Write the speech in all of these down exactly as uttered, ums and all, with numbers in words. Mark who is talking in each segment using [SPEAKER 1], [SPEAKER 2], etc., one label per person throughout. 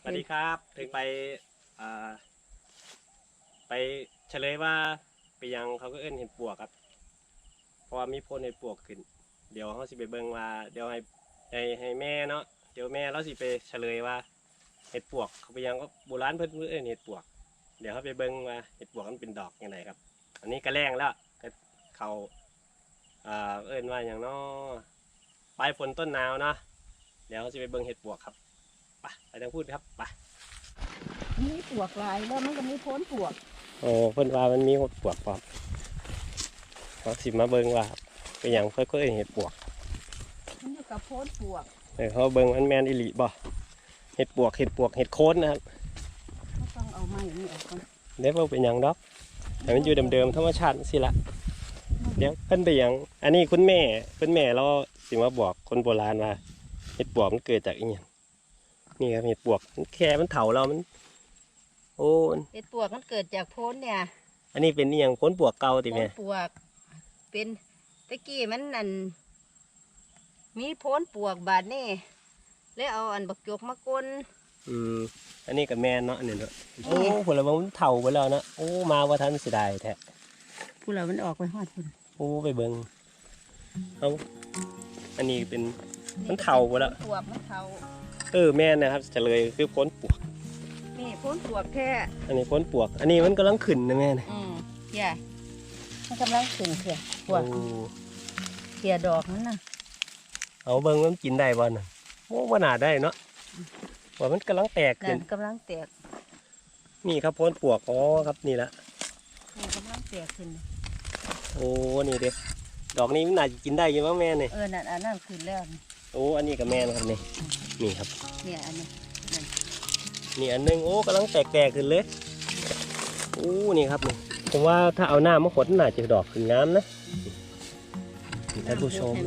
[SPEAKER 1] สวัสดีครับถึงไปอ่าไปเฉลยว่าไปยังเขาก็เอิ้นเห็ดปวกครับเพราะว่ามีพ่นเห็ดปวกขึ้นเดี๋ยวเขาสิไปเบิ่งว่าเดี๋ยวให้ให้ให้แม่เนาะเดี๋ยวแม่เราสิไปเฉลยว่าเห็ดปวกเขาไปยังก็โบราณเพิ่นเอิ้นเห็ดปวกเดี๋ยวเขาไปเบิ่งว่าเห็ดปวกมันเป็นดอกยังไงครับอันนี้ก็แรงแล้วก็เขาอ่าเอิ้นว่าอย่างเนาะปลายฝนต้นหนาวเนาะเดี๋ยวเขาสิไปเบิ่งเห็ดปวกครับไปไปทางพูดครับไป
[SPEAKER 2] มีปวกลายแล้วมันก็มีโพ้นปวก
[SPEAKER 1] โอ้เพิ่นว่ามันมีหดปวกพร้อมเขาสิมาเบิ่งว่าเป็นหยังค่อยๆเห็ดปวก
[SPEAKER 2] มันอยู่กับโพ้นปวก
[SPEAKER 1] เออเขาเบิ่งมันแมนอิลิบ่เห็ดปวกเห็ดปวกเห็ดโคนนะครับ
[SPEAKER 2] ก็ต้องเอาไม้นี่ออกก่อน
[SPEAKER 1] เดี๋ยวเราเป็นหยังดอกแต่มันอยู่เดิมๆธรรมชาติสิละเดี๋ยวเพิ่นไปหยังอันนี้คุณแม่คุณแม่เราสิมาบอกคนโบราณว่าเห็ดปวกมันเกิดจากอีหยังนี่ครับเห็ดปวกแค่มันเถาเรามันโอ้
[SPEAKER 2] เห็ดปวกมันเกิดจากโพ้นเนี่ย
[SPEAKER 1] อันนี้เป็นอีหยังโพ้นปวกเก่าติแม่
[SPEAKER 2] โพ้นปวกเป็นตะกี้มันนั่นมีโพ้นปวกบาดนี่แล้วเอาอันบักจกมาก้น
[SPEAKER 1] อืมอันนี้กับแม่เนาะนี่เนาะโอ้ผลไม้มันเถาไปแล้วนะโอ้มาว่าทันเสียดายแท้
[SPEAKER 2] ผู้เรามันออกไปหอดพุ่น
[SPEAKER 1] โอ้ไปเบิ่งเอาอันนี้เป็นมันเถาไปแล้ว
[SPEAKER 2] ปวกมันเถา
[SPEAKER 1] เออแม่นะครับจะเลยคือพ้นปวก
[SPEAKER 2] นี่โพ้นปวกแท้
[SPEAKER 1] อันนี้พ้นปวกอันนี้มันกำลังขึ้นนะแม่นะ
[SPEAKER 2] อืมใช่มันกำลังขึ้นเถี่ยปวกเถี่ยดอกนั่นน่ะ
[SPEAKER 1] เอาเบิ่งมันกินได้บ่น่ะโอ้บ่น่าได้เนาะว่ามันกำลังแตกขึ้น
[SPEAKER 2] กำลังแตก
[SPEAKER 1] นี่ครับพ้นปวกอ๋อครับนี่ละ
[SPEAKER 2] นี่กำลังแตกขึ้น
[SPEAKER 1] โอ้นี่เด็กดอกนี้มันน่าจะกินได้ยังมั้งแม่เนี่ย
[SPEAKER 2] เออนั่นอันนั้นขึ้นแล้ว
[SPEAKER 1] โอ้อันนี้กับแม่นะครับนี่นี่ครับ
[SPEAKER 2] เนี่ยอันนี้
[SPEAKER 1] นี่อันนึงโอ้กำลังแตกๆขึ้นเลยโอ้นี่ครับนี่ผมว่าถ้าเอาหน้ามาขดน่าจะดอกขึ้นงามนะท่านผู้ชม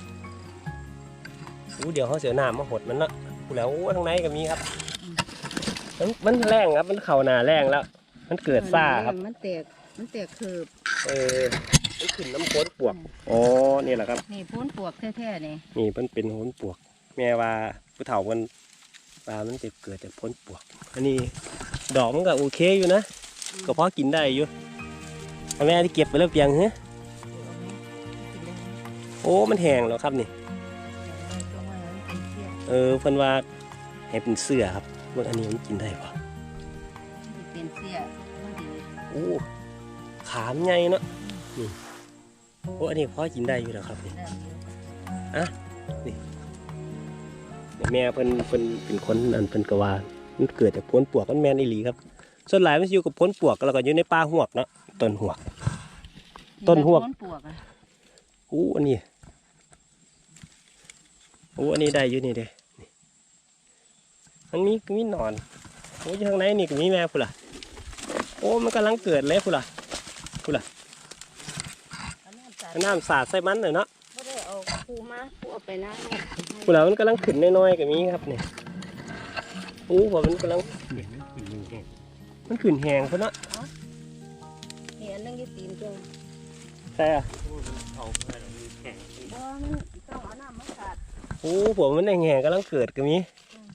[SPEAKER 1] โอ้เดี๋ยวเขาเสียหน้ามาขดมันละแล้วข้างในก็มีครับมันมันแรงครับมันเข่าหนาแรงแล้วมันเกิดซ่าครับ
[SPEAKER 2] มันแตกมันแตกเคิบ
[SPEAKER 1] เออมันขึ้นน้ำพ้นปวกอ๋อนี่แหละครับ
[SPEAKER 2] นี่พ้นปวกแท้ๆนี่
[SPEAKER 1] นี่มันเป็นพ้นปวกแม่ว่าผู้เฒ่ามันปลามันจะเกิดจากพ้นปวกอันนี้ดอกมันก็โอเคอยู่นะก็พอกินได้อยู่แม่ที่เก็บไปแล้วเพียงเหรอโอ้มันแห้งแล้วครับนี่เออเพิ่นว่าให้เป็นเสื้อครับว่าอันนี้มันกินได้ปะ
[SPEAKER 2] เป็นเสื้อ
[SPEAKER 1] โอ้ขามใหญ่เนาะนี่โอ้อันนี้พอกินได้อยู่แล้วครับนี่อ่ะนี่แม่เพิ่นเพิ่นเป็นคนอันเพิ่นกว่ามันเกิดจากพ้นปวกมันแมนอีหลีครับส่วนหลายมันอยู่กับพ้นปวกแล้วก็อยู่ในป่าหวกเนาะต้นหวกต้นหวกอู้อันนี้อู้อันนี้ได้อยู่นี่เด้มันมีมีนอนโอ้ยข้างในนี่ก็มีแม่พุ่นล่ะโอ้มันกำลังเกิดเลยพุ่นล่ะพุ่นล่ะน้ำสาดใส่มันเลยเนาะ
[SPEAKER 2] ไม่ได้เอาปูมาปูเอาไปน้ำ
[SPEAKER 1] พุ่นล่ะมันกำลังขึ้นน้อยๆก็มีครับเนี่ยโอ้ว่ามันกำลังมันขึ้นแหงพุ่นเนาะ
[SPEAKER 2] เห็นนั่งยี่ตีนจัง
[SPEAKER 1] ใช่อะ
[SPEAKER 2] เอาไปแล้วมันแข็งบ่มันต้องเอาน้ำมาสาด
[SPEAKER 1] โอ้ผมมันแหงๆกำลังเกิดก็มี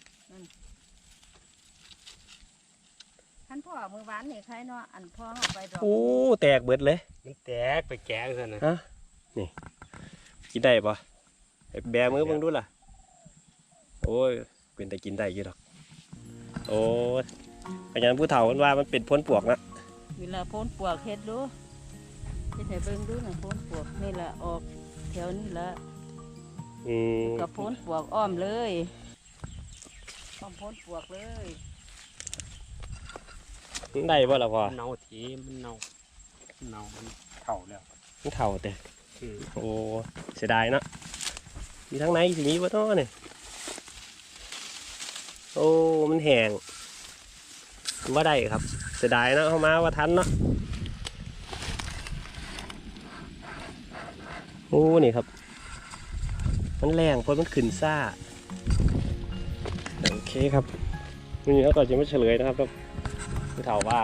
[SPEAKER 2] ท่านพ่อมือหวานนี่ใครเนาะอันพ่อเอาไปดอก
[SPEAKER 1] โอ้แตกเบิดเลย
[SPEAKER 3] มันแตกไปแกะกันนะ
[SPEAKER 1] ฮะนี่กินได้ปะแบมือเบิ่งดูล่ะโอ้ยเป็นแต่กินได้ยี่ดอกโอ้ยอาจารย์ผู้เฒ่าว่ามันเป็นพ้นปวกนะ
[SPEAKER 2] เวลาพ้นปวกเฮ็ดดูเฮ็ดให้เบิ่งดูหน่อยพ้นปวกนี่แหละออกแถวนี้ละ
[SPEAKER 1] อืม
[SPEAKER 2] กับพ้นปวกอ้อมเลยอ้อมพ้นปวกเลย
[SPEAKER 1] มันได้ป่ะล่ะพ่อ
[SPEAKER 3] เน่าทีมันเน่าเน่ามันเข่าแล้ว
[SPEAKER 1] มันเข่าแต่โอ้เสียดายเนาะมีทั้งในสิมีวะต้อเนี่ยโอ้มันแห้งว่าได้ครับเสียดายเนาะเข้ามาว่าทันเนาะโอ้นี่ครับมันแรงเพราะมันขึ้นซ่าโอเคครับนี่แล้วก็จะไม่เฉลยนะครับครับผู้เฒ่าว่า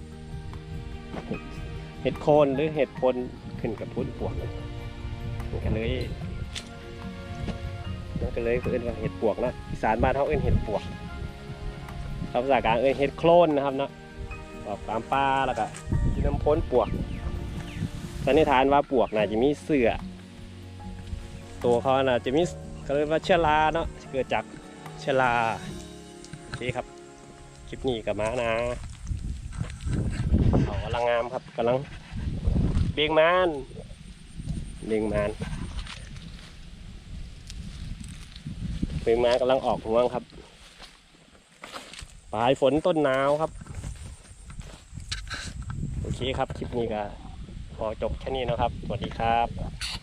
[SPEAKER 1] เห็ดโคนหรือเห็ดพลขึ้นกับพุทธปวกมันก็เลยมันก็เลยเอิ้นว่าเห็ดปวกนะอีสานบ้านเขาเอิ้นเห็ดปวกภาษากลางเอ้ยเห็ดโคลนนะครับเนาะออกตามป่าแล้วก็กินน้ำพ้นปวกสันนิษฐานว่าปวกน่าจะมีเสือตัวเขาน่าจะมีเขาเรียกว่าเชื้อราเนาะเกิดจากเชื้อราโอเคครับคลิปนี้กับม้านะเขากำลังงามครับกำลังเบ่งมานเบ่งมานเบ่งมานกำลังออกห่วงครับปลายฝนต้นหนาวครับโอเคครับคลิปนี้ก็ขอจบแค่นี้นะครับสวัสดีครับ